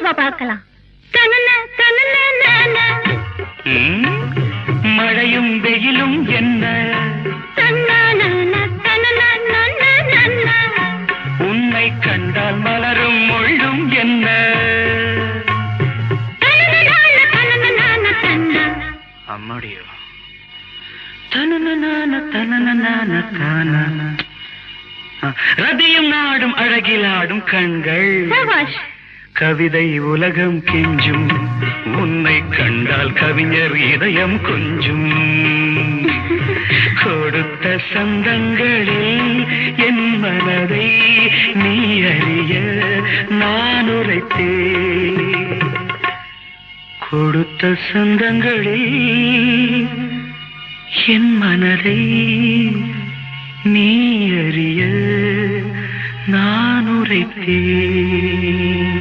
வா பார்க்கலாம். மழையும் வெயிலும் என்ன, உன்னை கண்டால் மலரும் முள்ளும் என்ன. அம்மாடியோ ரதியும் நாடும் அழகிலாடும் கண்கள், கவிதை உலகம் கெஞ்சும், உன்னை கண்டால் கவிஞர் இதயம் கொஞ்சும். கொடுத்த சந்தங்களில் என் மனதை நீ அறிய நான் உரைத்தேன். கொடுத்த சந்தங்களில் என் மனதை நீ அறிய நான் உரைத்தேன்.